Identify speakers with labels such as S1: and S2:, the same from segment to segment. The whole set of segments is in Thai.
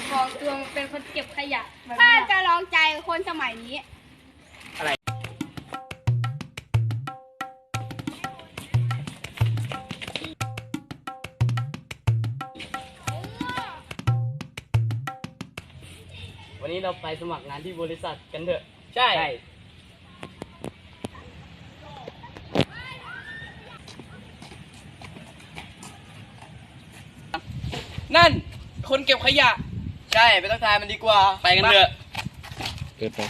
S1: ของตัวมันเป็นคนเก็บขยะ
S2: ถ้าจะลองใจคนสมัยนี้
S3: อะไรวันนี้เราไปสมัครงานที่บริษัทกันเถอะใช่นั่นคนเก็บขยะใช่ไปทักทายมันดีกว่าไปกันเถอะเกิดไป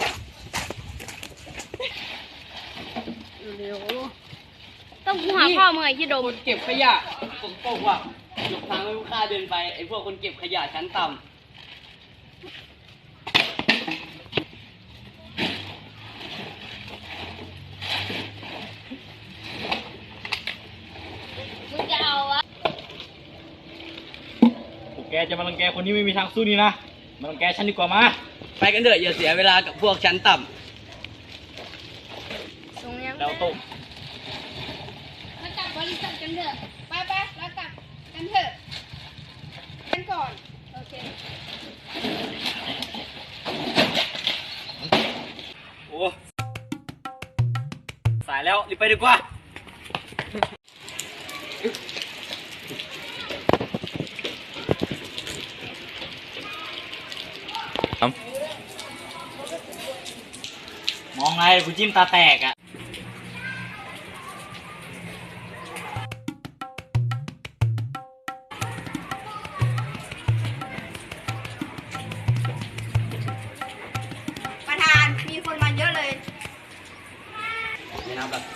S1: เร็วต้องกูหาพ่อมึงไอ้ที่โดม
S3: คนเก็บขยะฝนตกว่ะยกทางให้ลูกค้าเดินไปไอ้พวกคนเก็บขยะชั้นต่ำ
S1: มึงจะเอาวะ
S4: แกจะมารังแกคนที่ไม่มีทางสู้นี่นะมารังแกฉันดีกว่ามา
S3: ไปกันเถอะอย่าเสียเวลากับพวกชั้นต่ำ
S1: ตรงนี้
S4: เราตก
S1: มากลับบริษัทกันเถอะ
S2: ไปแล้วกลับกันเถอะกันก่อนโอเค
S4: โอ้สายแล้วรีบไปดีกว่าองไงกูจิ้มตาแตกอ่ะ
S2: ประธานมีคนมาเยอะเลย
S3: ไม่นับแบบ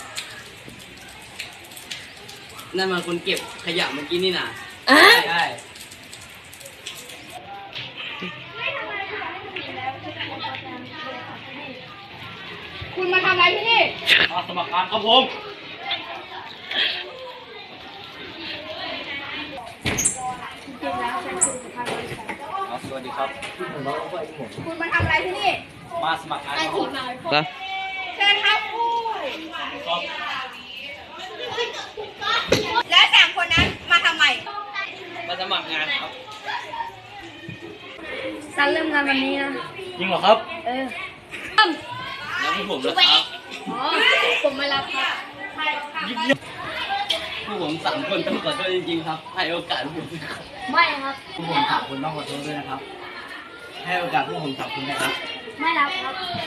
S3: นั่นมันคนเก็บขยะเมื่อกี้นี่นะใช่
S2: คุณมาทำอะไรที่นี่
S4: มาสมัครงานครับผม สวัสดีครับ
S2: คุณมาทำอะไรที่นี่
S4: มาสมัครงานครับ
S2: เชิญครับแล้วสามคนนั้นมาทำไม
S3: มาสมัครงานครับ
S1: ซันเริ่มงานวันนี้นะ
S4: จริงเหรอครับ
S3: แล้วพวกผมล่ะครับ
S1: อ๋อผมมารับครับ
S3: พวกผม3 คนต้องขอโทษจริงๆครับให้โอกาสผม
S1: ไม่ครับ
S3: พวกผม3 คนต้องขอโทษด้วยนะครับให้โอกาสพวกผม3 คนนะครับ
S1: ไม่รับครับ